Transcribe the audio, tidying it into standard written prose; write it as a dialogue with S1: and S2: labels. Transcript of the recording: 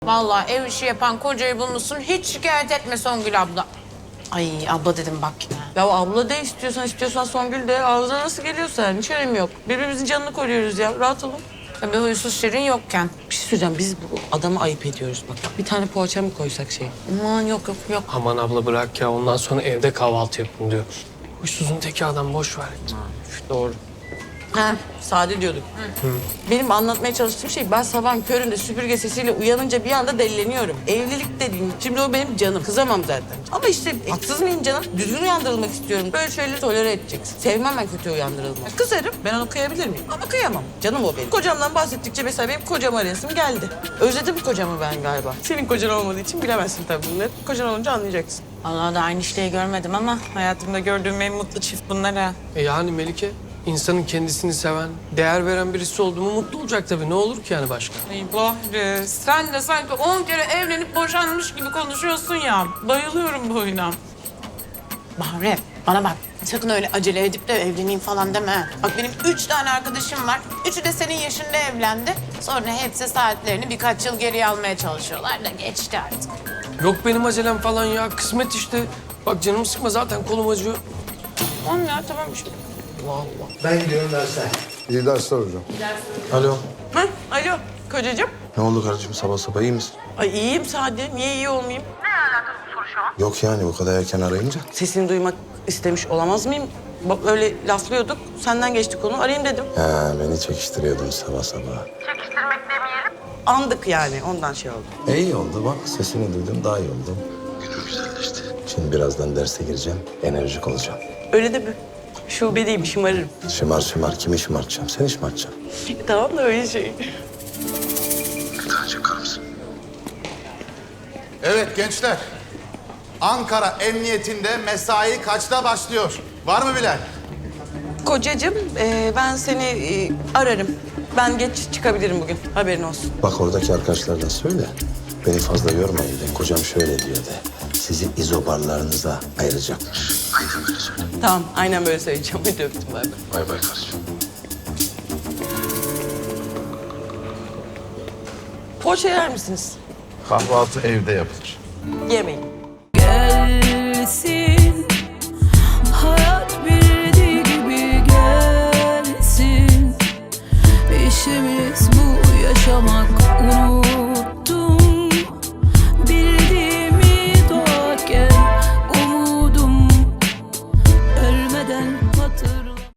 S1: Vallahi ev işi yapan kocayı bulmuşsun. Hiç şikayet etme Songül abla. Ay abla dedim bak yine.
S2: Ya abla de istiyorsan Songül de. Ağzına nasıl geliyorsa hiç önemi yok. Birbirimizin canını koruyoruz ya. Rahat olun.
S1: Tabii huysuz şirin yokken.
S2: Bir şey söyleyeceğim. Biz bu adamı ayıp ediyoruz bak. Bir tane poğaça mı koysak şey?
S1: Aman yok.
S3: Aman abla bırak ya. Ondan sonra evde kahvaltı yapın diyor. Huysuzun teki adam boş ver.
S2: Doğru. Ha, sade diyorduk. Benim anlatmaya çalıştığım şey, ben sabahın köründe süpürge sesiyle uyanınca bir anda delileniyorum. Evlilik dediğim, şimdi o benim canım. Kızamam zaten. Ama işte haksız mıyım canım? Düzgün uyandırılmak istiyorum. Böyle şeyleri tolere edeceksin. Sevmem ben kötü uyandırılmak. Kızarım. Ben onu kıyabilir miyim? Ama kıyamam. Canım o benim. Kocamdan bahsettikçe mesela benim kocam arayasım geldi. Özledim kocamı ben galiba. Senin kocan olmadığı için bilemezsin tabii bunları. Kocan olunca anlayacaksın.
S1: Vallahi da aynı işleyi görmedim ama hayatımda gördüğüm en mutlu çift bunlar ha.
S3: Yani Melike, insanın kendisini seven, değer veren birisi oldu mu mutlu olacak tabii. Ne olur ki yani başka?
S1: Ay Bahri, sen de sanki 10 kere evlenip boşanmış gibi konuşuyorsun ya. Bayılıyorum bu oyuna. Bahri, bana bak. Sakın öyle acele edip de evleneyim falan deme. Bak benim 3 tane arkadaşım var. Üçü de senin yaşında evlendi. Sonra hepsi saatlerini birkaç yıl geriye almaya çalışıyorlar da geçti artık.
S3: Yok benim acelem falan ya. Kısmet işte. Bak canımı sıkma zaten kolum acıyor.
S1: Tamam ya tamam işte.
S3: Vallahi.
S4: Ben gidiyorum dersler.
S5: İyi dersler hocam.
S4: Alo.
S2: Ha, alo kocacığım.
S4: Ne oldu kardeşim, sabah sabah iyi misin?
S2: Ay iyiyim Sade. Niye iyi olmayayım?
S4: Yok yani bu kadar erken arayınca.
S2: Sesini duymak istemiş olamaz mıyım? Bak öyle laflıyorduk. Senden geçti konu. Arayayım dedim.
S4: He, beni çekiştiriyordun sabah sabah.
S2: Andık yani. Ondan şey oldu.
S4: İyi oldu bak, sesini duydum, daha iyi oldu. Günüm güzelleşti. Şimdi birazdan derse gireceğim, enerjik olacağım.
S2: Öyle de mi? Şubedeyim, şımarırım.
S4: Şımar, kimi şımartacağım? Seni şımartacağım.
S2: Tamam da öyle şey.
S4: Bir tane çakar mısın?
S6: Evet gençler. Ankara Emniyetinde mesai kaçta başlıyor? Var mı bilen?
S2: Kocacığım, ben seni ararım. Ben geç çıkabilirim bugün. Haberin olsun.
S4: Bak oradaki arkadaşlardan söyle. Beni fazla yormayın de. Kocam şöyle diyor de. Sizi izobarlarınıza ayıracakmış. Aynen böyle söyle.
S2: Tamam, aynen böyle söyleyeceğim. Hadi öptüm, bay bay.
S4: Bay bay kardeşim.
S2: Poğaça yer misiniz?
S7: Kahvaltı evde yapılır.
S2: Yemeyin.